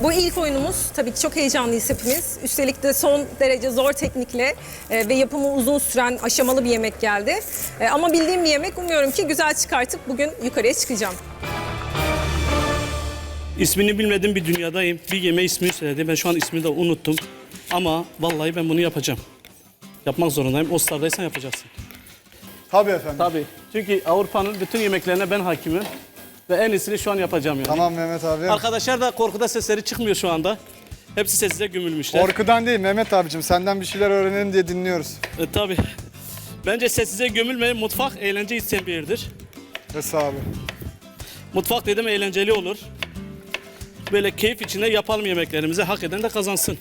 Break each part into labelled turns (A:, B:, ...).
A: Bu ilk oyunumuz. Tabii ki çok heyecanlıyız hepimiz. Üstelik de son derece zor teknikle ve yapımı uzun süren aşamalı bir yemek geldi. Ama bildiğim bir yemek. Umuyorum ki güzel çıkartıp bugün yukarıya çıkacağım.
B: İsmini bilmediğim bir dünyadayım. Bir yemeği ismini söyledi. Ben şu an ismini de unuttum. Ama vallahi ben bunu yapacağım. Yapmak zorundayım. O stardaysan yapacaksın.
C: Tabii efendim.
B: Tabii. Çünkü Avrupa'nın bütün yemeklerine ben hakimim. Ve en iyisini şu an yapacağım yani.
C: Tamam Mehmet abi.
B: Arkadaşlar da korkuda sesleri çıkmıyor şu anda. Hepsi sessize gömülmüşler.
C: Korkudan değil Mehmet abicim. Senden bir şeyler öğrenelim diye dinliyoruz.
B: Tabii. Bence sessize gömülmeyin. Mutfak eğlence isteyen bir yerdir.
C: Esa abi.
B: Mutfak dedim eğlenceli olur. Böyle keyif içinde yapalım yemeklerimizi. Hak eden de kazansın.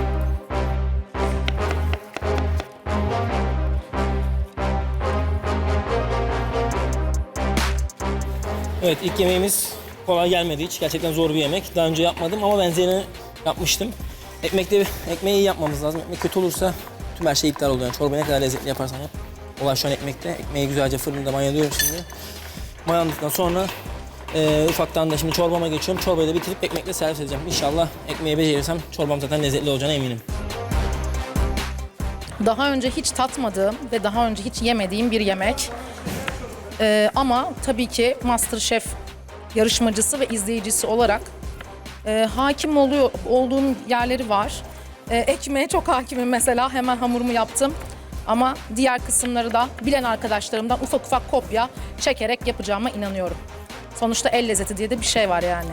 D: Evet, ilk yemeğimiz kolay gelmedi hiç. Gerçekten zor bir yemek. Daha önce yapmadım ama benzerini yapmıştım. Ekmeği iyi yapmamız lazım. Ekmek kötü olursa tüm her şey iptal oluyor. Yani çorbayı ne kadar lezzetli yaparsan yap. Olay şu an ekmekte. Ekmeği güzelce fırında mayalıyorum şimdi. Mayandıktan sonra ufaktan da şimdi çorbama geçiyorum. Çorbayı da bitirip ekmekle servis edeceğim. İnşallah ekmeği becerirsem çorbam zaten lezzetli olacağına eminim.
E: Daha önce hiç tatmadığım ve daha önce hiç yemediğim bir yemek. Ama tabii ki MasterChef yarışmacısı ve izleyicisi olarak hakim olduğum yerleri var. Ekmeğe çok hakimim mesela, hemen hamurumu yaptım. Ama diğer kısımları da bilen arkadaşlarımdan ufak ufak kopya çekerek yapacağıma inanıyorum. Sonuçta el lezzeti diye de bir şey var yani.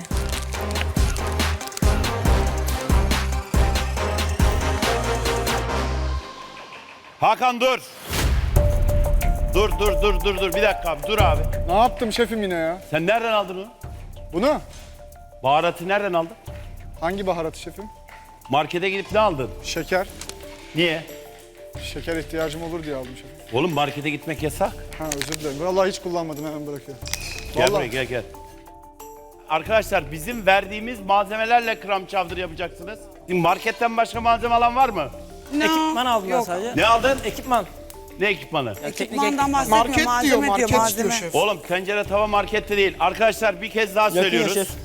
F: Hakan dur. Dur. Bir dakika abi, dur abi.
C: Ne yaptım şefim yine ya?
F: Sen nereden aldın onu?
C: Bunu?
F: Baharatı nereden aldın?
C: Hangi baharatı şefim?
F: Markete gidip ne aldın?
C: Şeker.
F: Niye?
C: Şeker ihtiyacım olur diye aldım şefim.
F: Oğlum markete gitmek yasak.
C: Ha özür dilerim. Vallahi hiç kullanmadım, hemen bırakıyorum.
F: Gel
C: Vallahi.
F: buraya gel. Arkadaşlar bizim verdiğimiz malzemelerle krem chowder yapacaksınız. Şimdi marketten başka malzeme alan var mı?
D: Ekipman aldım ben sadece.
F: Ne aldın?
D: Ekipman.
F: Ne ekipmanı?
D: Yani
G: Ekipmandan bahsetmiyor, malzeme diyor, malzeme.
F: Oğlum tencere tava markette değil. Arkadaşlar bir kez daha söylüyoruz.
D: şef.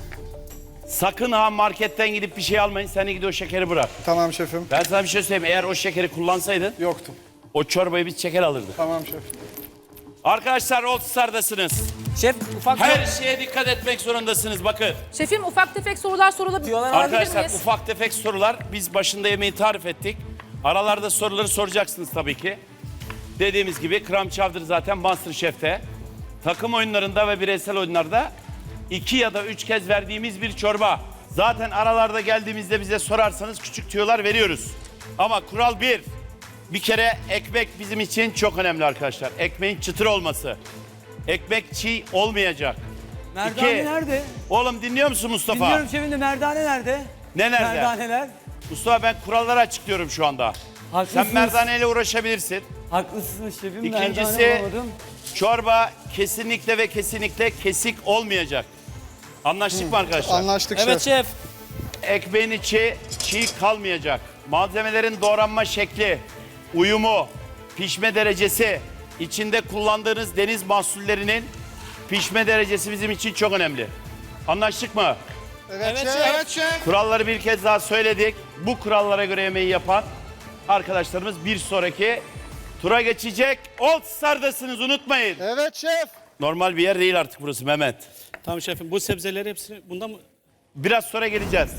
F: Sakın ha marketten gidip bir şey almayın. Sen gidip o şekeri bırak.
C: Tamam şefim.
F: Ben sana bir şey söyleyeyim. Eğer o şekeri kullansaydın
C: Yoktu.
F: o çorbayı biz şeker alırdık.
C: Tamam şef.
F: Arkadaşlar All Star'dasınız.
D: Şef ufak
F: Her şeye dikkat etmek zorundasınız bakın.
E: Şefim ufak tefek sorular sorulabilir
F: Arkadaşlar
E: miyiz?
F: ufak tefek sorular. Biz başında yemeği tarif ettik. Aralarda soruları soracaksınız tabii ki. Dediğimiz gibi krem chowder zaten MasterChef'te. Takım oyunlarında ve bireysel oyunlarda 2 ya da 3 kez verdiğimiz bir çorba. Zaten aralarda geldiğimizde bize sorarsanız küçük tüyolar veriyoruz. Ama kural bir kere ekmek bizim için çok önemli arkadaşlar. Ekmeğin çıtır olması. Ekmek çiğ olmayacak.
G: Merdane
F: İki.
G: nerede?
F: Oğlum dinliyor musun Mustafa?
G: Dinliyorum şefim de merdane nerede?
F: Ne nerede?
G: Merdaneler.
F: Mustafa ben kuralları açıklıyorum şu anda.
G: Haklısınız.
F: Sen merdaneyle uğraşabilirsin.
G: Haklısınız şefim,
F: İkincisi
G: merdane bulamadım.
F: çorba kesinlikle ve kesinlikle kesik olmayacak. Anlaştık mı arkadaşlar?
C: Anlaştık
D: Evet
C: şef.
D: şef.
F: Ekmeğin içi çiğ kalmayacak. Malzemelerin doğranma şekli, uyumu, pişme derecesi, içinde kullandığınız deniz mahsullerinin pişme derecesi bizim için çok önemli. Anlaştık mı?
C: Evet şef.
F: Kuralları bir kez daha söyledik. Bu kurallara göre yemeği yapan arkadaşlarımız bir sonraki tura geçecek. All Star'dasınız unutmayın.
C: Evet şef.
F: Normal bir yer değil artık burası Mehmet.
B: Tamam şefim. Bu sebzeleri hepsini bundan mı?
F: Biraz sonra geleceğiz.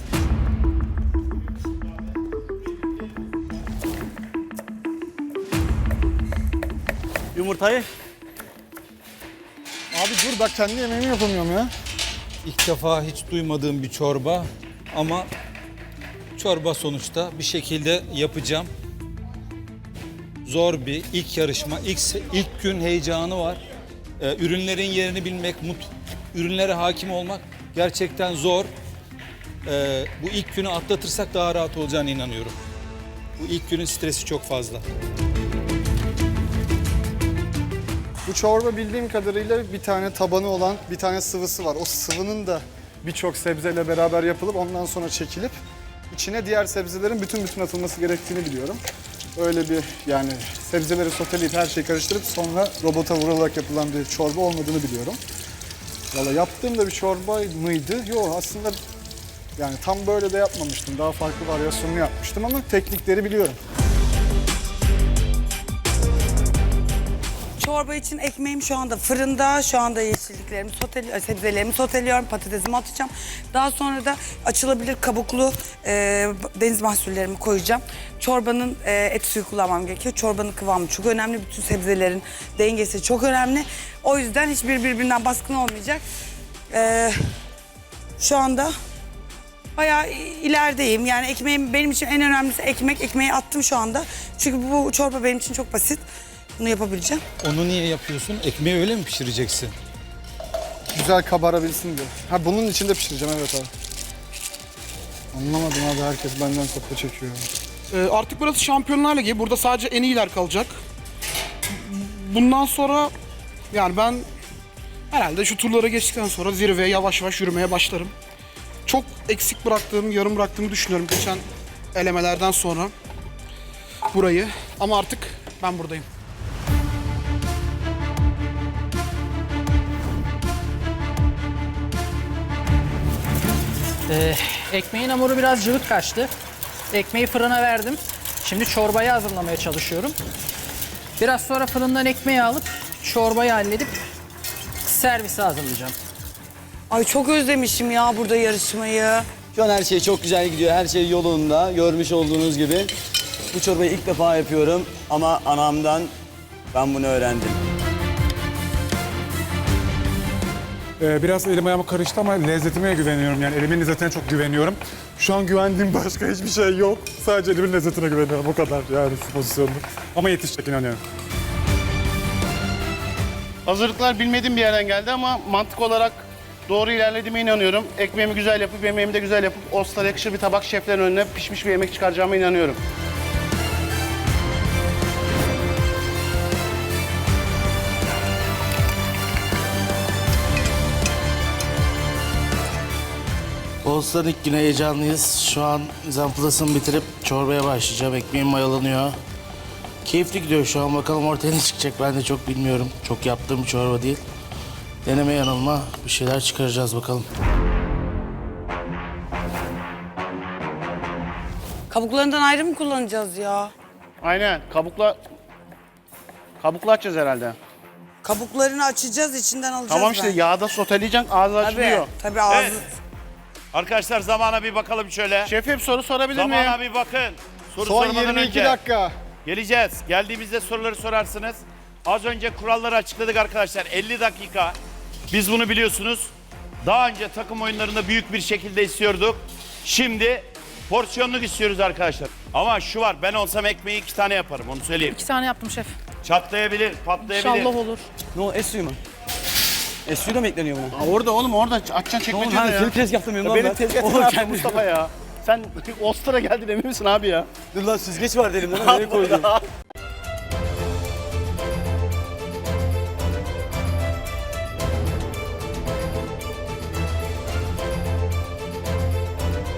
B: Yumurtayı.
C: Abi dur bak, kendi yemeğimi yapamıyorum ya.
H: İlk defa hiç duymadığım bir çorba ama çorba sonuçta bir şekilde yapacağım. Zor bir ilk yarışma, ilk gün heyecanı var. Ürünlerin yerini bilmek, ürünlere hakim olmak gerçekten zor. Bu ilk günü atlatırsak daha rahat olacağına inanıyorum. Bu ilk günün stresi çok fazla.
C: Bu çorba bildiğim kadarıyla bir tane tabanı olan bir tane sıvısı var. O sıvının da birçok sebzeyle beraber yapılıp ondan sonra çekilip içine diğer sebzelerin bütün atılması gerektiğini biliyorum. Öyle bir yani sebzeleri soteleyip her şeyi karıştırıp sonra robota vurularak yapılan bir çorba olmadığını biliyorum. Valla yaptığım da bir çorba mıydı? Yok aslında Yani tam böyle de yapmamıştım. Daha farklı varyasyonunu yapmıştım ama teknikleri biliyorum.
G: Çorba için ekmeğim şu anda fırında. Şu anda yeşilliklerimi sebzelerimi soteliyorum. Patatesimi atacağım. Daha sonra da açılabilir kabuklu deniz mahsullerimi koyacağım. Çorbanın et suyu kullanmam gerekiyor. Çorbanın kıvamı çok önemli. Bütün sebzelerin dengesi çok önemli. O yüzden hiçbir birbirinden baskın olmayacak. Şu anda bayağı ilerideyim. Yani ekmeğim benim için en önemlisi ekmek. Ekmeği attım şu anda. Çünkü bu çorba benim için çok basit. Bunu yapabileceğim.
H: Onu niye yapıyorsun? Ekmeği öyle mi pişireceksin?
C: Güzel kabarabilsin diye. Ha bunun içinde pişireceğim evet abi. Anlamadım abi, herkes benden kopya çekiyor.
I: Artık burası Şampiyonlar Ligi. Burada sadece en iyiler kalacak. Bundan sonra yani ben herhalde şu turlara geçtikten sonra zirveye yavaş yavaş yürümeye başlarım. Çok eksik bıraktığım, yarım bıraktığımı düşünüyorum geçen elemelerden sonra burayı. Ama artık ben buradayım.
J: Ekmeğin hamuru biraz cıvık kaçtı. Ekmeği fırına verdim. Şimdi çorbayı hazırlamaya çalışıyorum. Biraz sonra fırından ekmeği alıp çorbayı halledip servise hazırlayacağım.
G: Ay çok özlemişim ya burada yarışmayı.
K: Şu an her şey çok güzel gidiyor. Her şey yolunda. Görmüş olduğunuz gibi. Bu çorbayı ilk defa yapıyorum ama anamdan ben bunu öğrendim.
L: Biraz elim ayağıma karıştı ama lezzetime güveniyorum. Yani elimin lezzetine çok güveniyorum. Şu an güvendiğim başka hiçbir şey yok. Sadece elimin lezzetine güveniyorum. O kadar yani şu pozisyonda. Ama yetişecek inanıyorum.
M: Hazırlıklar bilmediğim bir yerden geldi ama mantık olarak doğru ilerlediğime inanıyorum. Ekmeğimi güzel yapıp, yemeğimi de güzel yapıp, Ostar'a yakışır bir tabak şeflerin önüne pişmiş bir yemek çıkaracağıma inanıyorum.
N: Ostar'ın ilk güne heyecanlıyız. Şu an zamplasını bitirip çorbaya başlayacağım. Ekmeğim mayalanıyor. Keyifli gidiyor şu an. Bakalım ortaya ne çıkacak ben de çok bilmiyorum. Çok yaptığım bir çorba değil. Deneme yanılma bir şeyler çıkaracağız bakalım.
G: Kabuklarından ayrı mı kullanacağız ya?
M: Aynen. Kabukla açacağız herhalde.
G: Kabuklarını açacağız, içinden alacağız.
M: Tamam işte yağda soteleyeceksin, ağzı açılıyor.
G: Tabii ağzı.
F: Evet. Arkadaşlar zamana bir bakalım şöyle.
M: Şefim soru sorabilir miyim?
F: Zamana bir bakın. Soru
C: Son
F: sormadan
C: 22
F: önce.
C: dakika.
F: Geleceğiz. Geldiğimizde soruları sorarsınız. Az önce kuralları açıkladık arkadaşlar. 50 dakika. Biz bunu biliyorsunuz. Daha önce takım oyunlarında büyük bir şekilde istiyorduk. Şimdi porsiyonluk istiyoruz arkadaşlar. Ama şu var, ben olsam ekmeği 2 tane yaparım, onu söyleyeyim.
E: 2 tane yaptım şef.
F: Çatlayabilir, patlayabilir.
E: İnşallah olur.
K: Ne o? Es suyu mu? Es suyu da mı ekleniyor buna?
M: Orada oğlum, orada açacaksın çekmecede ya.
K: Senin tezgahta mıyım lan
M: Benim
K: ben?
M: tezgahım
K: Oğlum
M: var
K: kendi-
M: Mustafa ya. Sen Ostar'a geldin emin misin abi ya?
K: Dur lan süzgeç vardı elimde lan. Nereye koydun?